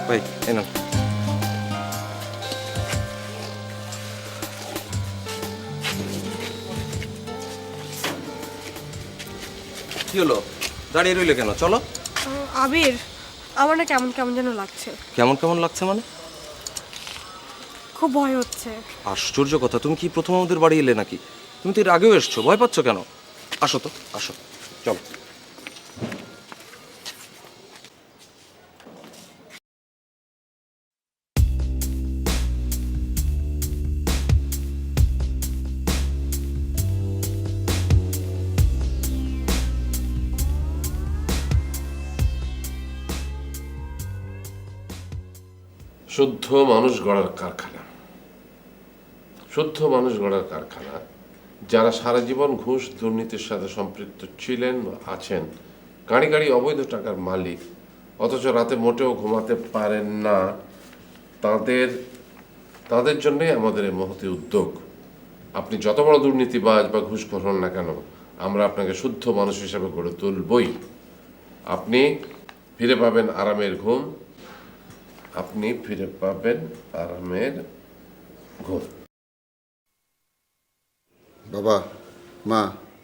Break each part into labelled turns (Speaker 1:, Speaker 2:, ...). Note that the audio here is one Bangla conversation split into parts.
Speaker 1: ভাই এই নাও। কি হলো, দাঁড়িয়ে রইলে কেন? চলো।
Speaker 2: আবির, আমার না কেমন কেমন যেন লাগছে।
Speaker 1: কেমন কেমন লাগছে মানে?
Speaker 2: খুব ভয় হচ্ছে।
Speaker 1: আশ্চর্য কথা, তুমি কি প্রথম আমাদের বাড়ি এলে নাকি? তুমি তো এর আগেও এসছো, ভয় পাচ্ছ কেন? আসো তো, আসো, চলো।
Speaker 3: শুদ্ধ মানুষ গড়ার কারখানা, শুদ্ধ মানুষ গড়ার কারখানা। যারা সারা জীবন ঘুষ দুর্নীতির সাথে সম্পৃক্ত ছিলেন বা আছেন, গাড়ি গাড়ি অবৈধ টাকার মালিক, অথচ রাতে মোটেও ঘুমাতে পারেন না, তাদের তাদের জন্যই আমাদের এই মহতি উদ্যোগ। আপনি যত বড় দুর্নীতিবাজ বা ঘুষখোর হন না কেন, আমরা আপনাকে শুদ্ধ মানুষ হিসেবে গড়ে তুলবই। আপনি ফিরে পাবেন আরামের ঘুম, আপনি ফিরে পাবেন আরামের ঘুম।
Speaker 4: বাবা, মা,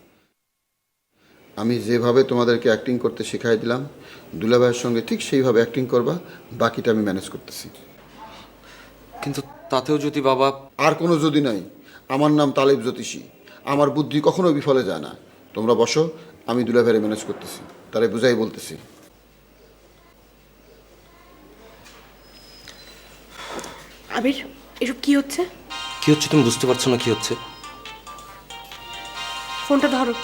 Speaker 4: আমি যেভাবে তোমাদেরকে অ্যাক্টিং করতে শিখাই দিলাম, দুলাভাইয়ের সঙ্গে ঠিক সেইভাবে অ্যাক্টিং করবা, বাকিটা আমি ম্যানেজ করতেছি।
Speaker 1: কিন্তু তাতেও যদি বাবা...
Speaker 4: আর কোনো যদি নাই, আমার নাম তালেব জ্যোতিষী, আমার বুদ্ধি কখনো বিফলে যায় না। তোমরা বসো, আমি দুলাভাইয়ের ম্যানেজ করতেছি, তারে বুঝাই বলতেছি।
Speaker 2: আবির, এসব কি হচ্ছে?
Speaker 1: কি হচ্ছে তুমি বুঝতে পারছো না? কি হচ্ছে?
Speaker 2: ফোনটা ধরো।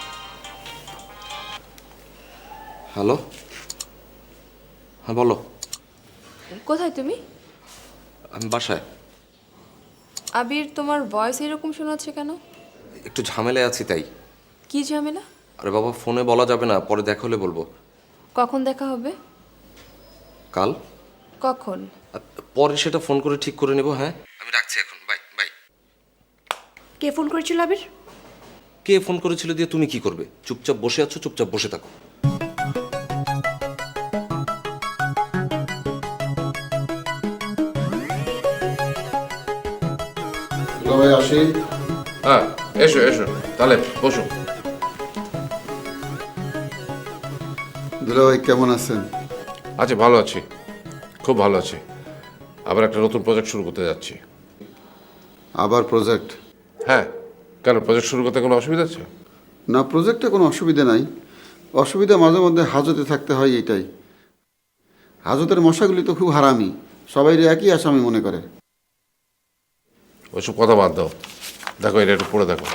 Speaker 1: হ্যালো, হ্যাঁ বলো।
Speaker 5: কোথায় তুমি?
Speaker 1: আমি বাসায়।
Speaker 5: আবির, তোমার ভয়েস এরকম শোনাচ্ছে কেন?
Speaker 1: একটু ঝামেলায় আছি তাই।
Speaker 5: কি ঝামেলা?
Speaker 1: আরে বাবা, ফোনে বলা যাবে না, পরে দেখা হলে বলবো।
Speaker 5: কখন দেখা হবে?
Speaker 1: কাল।
Speaker 5: কখন?
Speaker 1: পরে সেটা ফোন করে ঠিক করে নেব। হ্যাঁ, আমি রাখছি এখন, বাই বাই।
Speaker 2: কে ফোন করেছিল আবির?
Speaker 1: কে ফোন করেছিল দিয়ে তুমি কি করবে? চুপচাপ বসে আছো, চুপচাপ বসে থাকো।
Speaker 4: দুলাভাই আসি।
Speaker 3: হ্যাঁ, এসো এসো, তাহলে বসো।
Speaker 4: দুলাভাই কেমন আছেন?
Speaker 3: আচ্ছা, ভালো আছি, খুব ভালো আছি। আবার একটা নতুন প্রজেক্ট শুরু করতে যাচ্ছি।
Speaker 4: আবার প্রজেক্ট?
Speaker 3: হ্যাঁ, কেন প্রজেক্ট শুরু করতে কোনো অসুবিধা আছে?
Speaker 4: না, প্রজেক্টে কোনো অসুবিধা নাই। অসুবিধা মাঝে মধ্যে হাজতে থাকতে হয়, এইটাই। হাজতের মশাগুলি তো খুব হারামি, সবাই একই আসামি মনে করে।
Speaker 3: ওইসব কথা বাদ দাও, দেখো এটা একটু পড়ে দেখো।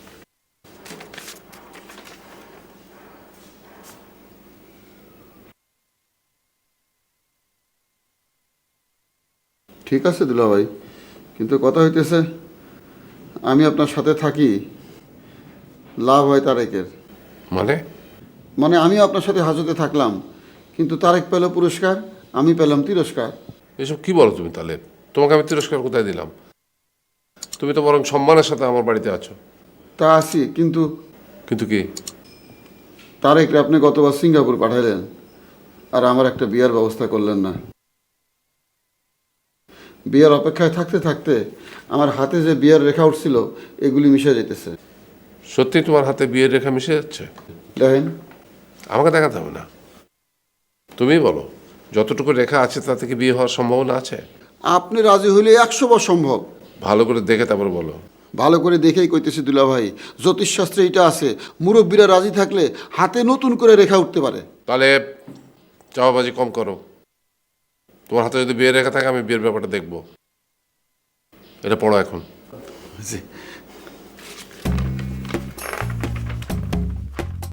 Speaker 4: ঠিক আছে দুলাভাই, কিন্তু কথা হইতেছে, আমি আপনার সাথে থাকি, লাভ হয় তারেকের।
Speaker 3: মানে?
Speaker 4: মানে আমিও আপনার সাথে হাজতে থাকলাম, কিন্তু তারেক পেল পুরস্কার, আমি পেলাম তিরস্কার।
Speaker 3: এসব কি বলো তুমি? তাহলে তোমাকে আমি তিরস্কার কোথায় দিলাম? তুমি তো বরং সম্মানের সাথে আমার বাড়িতে আছো।
Speaker 4: তা আছি, কিন্তু
Speaker 3: কিন্তু কি?
Speaker 4: তারেকরে আপনি গতবার সিঙ্গাপুর পাঠাইলেন, আর আমার একটা বিয়ার ব্যবস্থা করলেন না। বিয়ার অপেক্ষায় থাকতে থাকতে আমার হাতে যে বিয়ার রেখা উঠছিল, এগুলি মিশে যেতেছে।
Speaker 3: সত্যি তোমার হাতে বিয়ের রেখা মিশে যাচ্ছে?
Speaker 4: দেখেন।
Speaker 3: আমাকে দেখাতে হবে না, তুমিই বলো, যতটুকু রেখা আছে তা থেকে বিয়ে হওয়ার সম্ভাবনা আছে?
Speaker 4: আপনি রাজি হইলে 100 বার সম্ভব।
Speaker 3: ভালো করে দেখে তারপরে বলো।
Speaker 4: ভালো করে দেখেই কইতেছি দুলাভাই, জ্যোতিষশাস্ত্রে এটা আছে, মুরব্বীরা রাজি থাকলে হাতে নতুন করে রেখা উঠতে পারে।
Speaker 3: তাহলে চাওয়াবাজি কম করো। তোমার হাতে যদি বিয়ের রেখা থাকে, আমি বিয়ের ব্যাপারটা দেখবো। এটা পড়ো এখন।
Speaker 4: জি।